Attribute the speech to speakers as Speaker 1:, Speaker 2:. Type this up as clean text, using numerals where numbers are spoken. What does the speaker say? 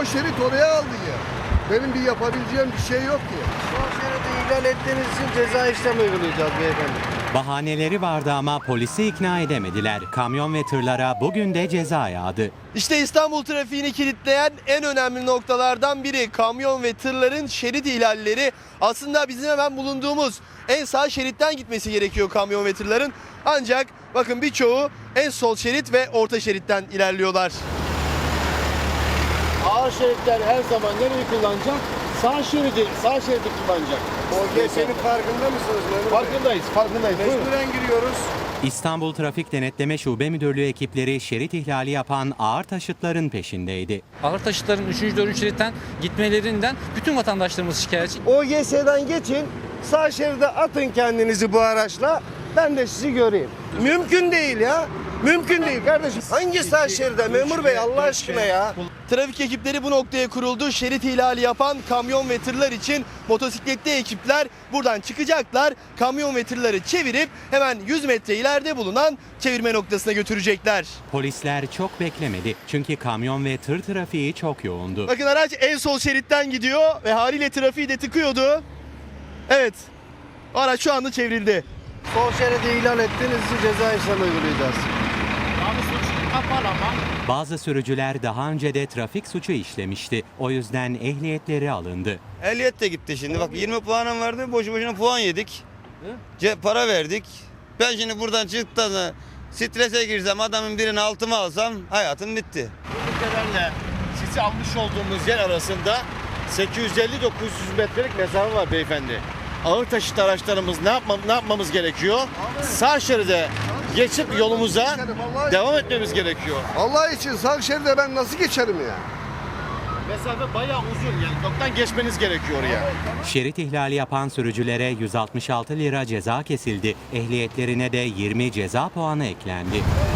Speaker 1: o şerit oraya aldı ya. Benim bir yapabileceğim bir şey yok ki.
Speaker 2: Sol şeridi ihlal ettiğiniz için ceza işlemi uygulayacağız beyefendi.
Speaker 3: Bahaneleri vardı ama polisi ikna edemediler. Kamyon ve tırlara bugün de ceza yağdı.
Speaker 4: İşte İstanbul trafiğini kilitleyen en önemli noktalardan biri kamyon ve tırların şerit ihlalleri. Aslında bizim hemen bulunduğumuz en sağ şeritten gitmesi gerekiyor kamyon ve tırların. Ancak bakın birçoğu en sol şerit ve orta şeritten ilerliyorlar.
Speaker 2: Ağır şeritler her zaman nereyi kullanacak? Sağ şeridi kullanacak.
Speaker 1: OGS'nin farkında mısınız memur bey?
Speaker 2: Farkındayız. Buyurun.
Speaker 1: Mecburen giriyoruz.
Speaker 3: İstanbul Trafik Denetleme Şube Müdürlüğü ekipleri şerit ihlali yapan ağır taşıtların peşindeydi.
Speaker 5: Ağır taşıtların 3. 4. şeritten gitmelerinden bütün vatandaşlarımız şikayetçi.
Speaker 2: OGS'den geçin, sağ şeride atın kendinizi bu araçla. Ben de sizi göreyim. Mümkün değil ya. Mümkün değil kardeşim. Hangi sağ şeride memur bey Allah aşkına ya?
Speaker 4: Trafik ekipleri bu noktaya kuruldu. Şerit ihlali yapan kamyon ve tırlar için motosikletli ekipler buradan çıkacaklar. Kamyon ve tırları çevirip hemen 100 metre ileride bulunan çevirme noktasına götürecekler.
Speaker 3: Polisler çok beklemedi çünkü kamyon ve tır trafiği çok yoğundu.
Speaker 4: Bakın araç en sol şeritten gidiyor ve haliyle trafiği de tıkıyordu. Evet, araç şu anda çevrildi.
Speaker 2: Sol şeridi ihlal ettiğiniz için ceza işlemi uygulayacağız.
Speaker 3: Bazı sürücüler daha önce de trafik suçu işlemişti. O yüzden ehliyetleri alındı.
Speaker 6: Ehliyet de gitti şimdi. Bak 20 puanım vardı. Boşu boşuna puan yedik. Para verdik. Ben şimdi buradan çıktıktan sonra strese girsem adamın birini altıma alsam hayatım bitti.
Speaker 2: Ülkelerle sizi almış olduğumuz yer arasında 850-900 metrelik mesafe var beyefendi. Ağır taşıt araçlarımız ne yapmamız gerekiyor? Sağ şeride geçip yolumuza devam etmemiz gerekiyor.
Speaker 1: Allah için sağ şeride ben nasıl geçerim ya?
Speaker 2: Mesafe bayağı uzun yani yoktan geçmeniz gerekiyor oraya.
Speaker 3: Şerit ihlali yapan sürücülere 166 lira ceza kesildi. Ehliyetlerine de 20 ceza puanı eklendi.